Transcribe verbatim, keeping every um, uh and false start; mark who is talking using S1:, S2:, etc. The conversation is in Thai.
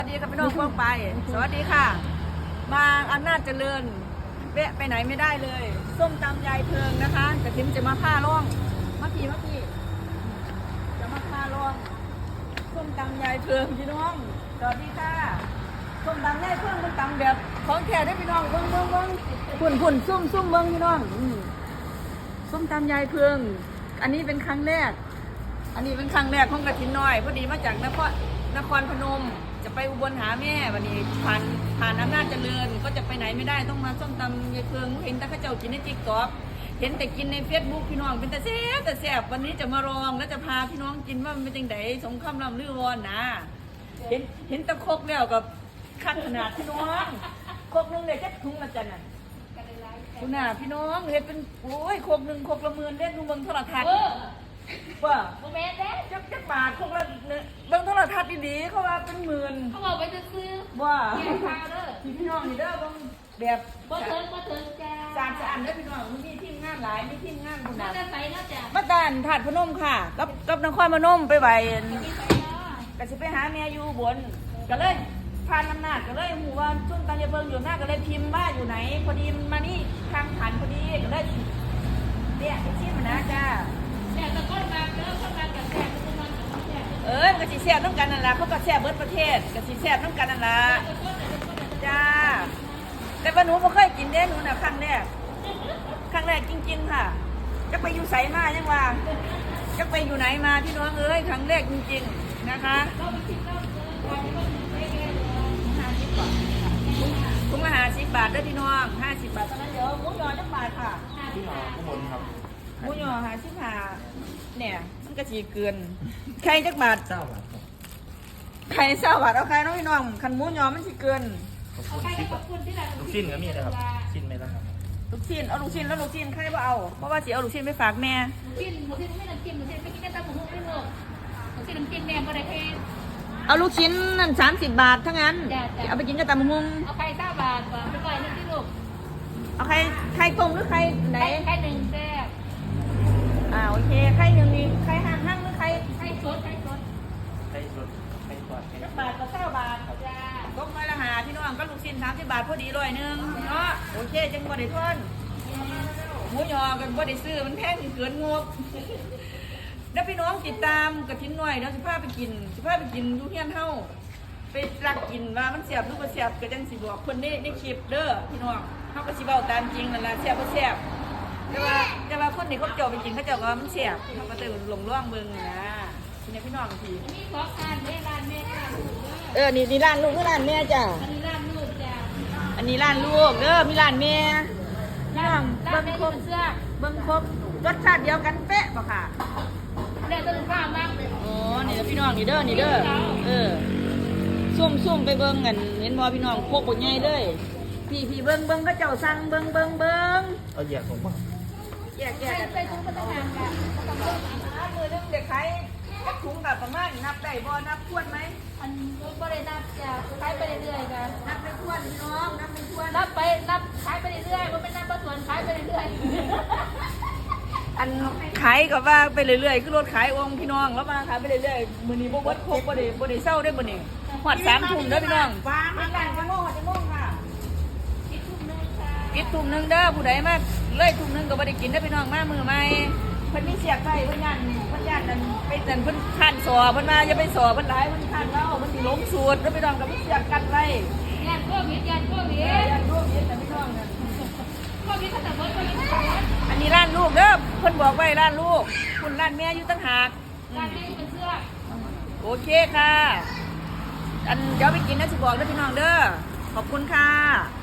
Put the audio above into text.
S1: สวัสดีค่ะพี่น้องกว้างไปสวัสดีค่ะมาอำนาจเจริญแวะไปไหนไม่ได้เลยส้มตำยายเพิงนะคะแต่ทิมจะมาผ้าร่องมาพี่มาพี่จะมาผ้าร่องส้มตำยายเพิงพี่น้องสวัสดีค่ะส้มตำยายเพิงมันตำแบบของแท้ได้พี่น้องเบิ้งเบิ้งเบิ้งฝุ่นฝุ่นซุ่มซุ่มเบิ้งพี่น้องส้มตำยายเพิงอันนี้เป็นครั้งแรกอันนี้เป็นครั้งแรกของกระถินน้อยพอดีมาจากนครนครพนมจะไปอุบลหาแม่วันนี้ผ่านผ่านอำนาจเจริญก็จะไปไหนไม่ได้ต้องมาส้มตำยายเพิงเห็นแต่ข้าเจ้ากินในติ๊กต็อกเห็นแต่กินในเฟซบุ๊กพี่น้องเป็นแต่แซ่บแต่แซ่บวันนี้จะมาลองแล้วจะพาพี่น้องกินว่ามันเป็นจังไดสงครามลำลือวอนนะเห็นเห็นตะครกแล้วกับขั้นขนาดพี่น้องครกนึงเลยแค่ถุงละจันน่ะคุณน่ะพี่น้องเห็นเป็นโอ้ยครกนึงครกละหมื่นเล่นดูเบิ่งโทรทัศน์ว่า
S2: โมเมนต์เด้
S1: จักจักบาทครกละเบิ่งโทรทัศน์ดีๆเขาว่าเป็นหมื่น
S2: เขาบอกไปจะซื้อ
S1: ว่า
S2: แกงข้าวเด้อ
S1: พี่น้องนี่เด้อเบิ่งแบบ
S2: บ่เถิงบ่เถิงจ้า
S1: สารสะอันเด้อพี่น้องมีทีมงานหลายมีทีมงานคุณ
S2: น่า
S1: น่ะ
S2: จะใส่แล้วจ้ะ
S1: มาตานถาดพนมค่ะกับกับนครพนมไปไหว
S2: มีใส่แล้ว
S1: ก็สิไปหาแม่อยู่บนก็เลยผ่านอำนาจก็เลยหมู่ว่าช่วงตอนยายเบิ่งอยู่หน้าก็เลยพิมพ์ว่าอยู่ไหนพอดีมันมานี่ทางผ่านพอดีก็เลยเนี่ยไปชิมนะจ้า
S2: แต่ตะก้นมาเด้อเข้ากันกับแซ่บทุกคนแซ่บ
S1: เออก็สิแซ่บน้ำกันนั่นล่ะเขาก็แซ่บเบิดประเทศก็สิแซ่บน้ำกันนั่นล่ะจ้าแต่ว่าหนูไม่เคยกินเด้หนูน่ะครั้งแรกครั้งแรกจริงๆค่ะจะไปอยู่ไสมายังว่าจะไปอยู่ไหนมาพี่น้องเอ้ยครั้งแรกจริงๆนะคะถุงละห้าสิบบาทเด้อพี่น้องห้าสิบบาทเท่านั้นเดี๋ยวหมูยอจักบาทค่ะ
S3: ที่มาข้างบนครับ
S1: หมูยอห้าสิบห้าเนี่ยมันก็จีเกินไข่จักบาท
S3: เจ้าบาทครับ
S1: ไข่เศร้าบาทเอาไข่น้องพี่น้องคันหมูยอมันสิเกิน
S3: ขอบ
S2: เอา
S3: คุณ
S2: ใคร
S3: ที่
S2: ขอบคุณที่เรา
S3: ลูกชิ้นก็มีนะครับชิ้นไหมล่ะครับ
S1: ลูกชิ้นเอาลูกชิ้นแล้วลูกชิ้นใครบ่เอาเพราะว่าสิเอาลูกชิ้นไปฝากแม่
S2: กินหมูที่ไม่น้ำจิ้มหมูที่ไม่กินแต่หมูไม่หมดหมูที่น้ำจิ้มแม่ก็ได้แค่
S1: เอาลูกชิ้นนั่นสามสิบบาททั้งนั้น
S2: จ้ะจ้ะ
S1: เอาไปกินกับตำบักหุ่ง
S2: เอาไข่เก้าบาทก่อนไปก่อนนึงที่ลูก
S1: เอาไข่ไข่ต้มหรือไข่ไหน
S2: ไข่ไข่หนึ่งแซ่บ
S1: อ่าโอเคไข่หนึ่งนี่ไข่ห่างห่างหรือไข่
S2: ไข่สดไข่สด
S3: ไข่สดไข่ทอดไข่
S1: จักบาทกับเก้าบาท
S2: จ้า
S1: ต้มไม้ละหาพี่น้องก็ลูกชิ้นสามสิบบาทพอดีร้อยหนึงเนาะโอเคจังบ่ได้ทนหมูยอกันบ่ได้ซื้อมันแพงเกินงบแล้วพี่น้องติดตามกระทิ้นหน่อยเนาะสิพาไปกินสิพาไปกินอยู่เฮียนเฮาไปรักกินว่ามันเสียบหรือบ่เสียบก็จังสิบอกเพิ่นในในคลิปเด้อพี่น้องเฮาก็สิเว้าตามจริงนั่นล่ะเสียบบ่เสียบแต่ว่าแต่ว่าคนที่เขาเจ้าไปกินเขาเจ้าก็ว่ามันเสียบเฮาก็เลยหลงล่องเบิ่งนะทีนี้พี่น้องที
S2: มีของทานแม่ร้านแม่ร้านลูกเด้อ
S1: เออนี่นี่ร้านลูกหรือร้านแม่จ้ะ
S2: อันนี้ร้านลูกจ้า
S1: อันนี้ร้านลูกเด้อมีร้านแม่พี่น้อง
S2: ร้าน
S1: เบิ่ง
S2: แม่
S1: คร
S2: ยื
S1: บ
S2: นเสื้อ
S1: เบิ่งครบรสชาติเดียวกันเป๊ะบ่ค่ะ
S2: แล้วต้นข้าวมาก
S1: อ๋อนี่เด้อพี่น้องนี่เด้อนี่เด้อเออซุ่มซุ่มไปเบิ่งกันเห็นบ่พี่น้องโคกบ่ใหญ่เลยพี่พี่เบิ่งเบิ่งเขาเจ้าสั่งเบิ่งเบิ่งเบิ่ง
S3: เอาแยกผมบ้าง
S1: แยกแย
S2: ใส่
S1: กกัน
S2: ใส่ถุงพนักงานกัน
S1: มือนึงเด็กขายถุงกับประมาณนับได้บ่นับทวนไหม
S2: อันก็ได้นับจะขายไปเรื่อยๆกัน
S1: นับไม่ทวนพี่น้องนับไม่ทวน
S2: นับไปนับขายไปเรื่อยๆมันเป็นนับประส่วนขายไปเรื่อย
S1: อันขายก็ว่าไปเรื่อยๆคือรถขายองค์พี่น้องแล้วมาขายไปเรื่อยๆมื้อนี้บ่เบิดครบบ่ได้บ่ได้เซาได้บ่นี่ฮอดสามทุ่มเด้อพี่น้องฟ้ามากันจะโมงจะโมงค่ะ
S2: ๆคิดทุกนึงค่ะ
S1: ปิดทุ่มหนึงเด้อผู้ใดมาเลยทุ่มหนึงก็บ่ได้กินเด้อพี่น้องมามือใหม่เพิ่นมีเสียกไว้เพิ่นย่านเพิ่นย่านนั่นไปนั่นเพิ่นคันสอเพิ่นมาอย่าไปสอเพิ่นหลายเพิ่นคันเราเพิ่นสิล้มสูตรเด้อพี่น้องก็มีเสียกกันไว้
S2: ยานโควิดยานโควิด
S1: เอ้ยย่านร่วมเย็นแต่พี่น้องนั่น
S2: โควิดเขาแต่เบิร์ดโควิดเขา
S1: อันนี้ร้านลูกเด้อเพิ่นบอกไว้ร้านลูกคุณร้านแม่อยู่ตั้งหาก
S2: การนี้เป็นเสื้อ
S1: โอเคค่ะ อันเดี๋ยวไปกินนะสิบอกเด้อพี่น้องเด้อขอบคุณค่ะ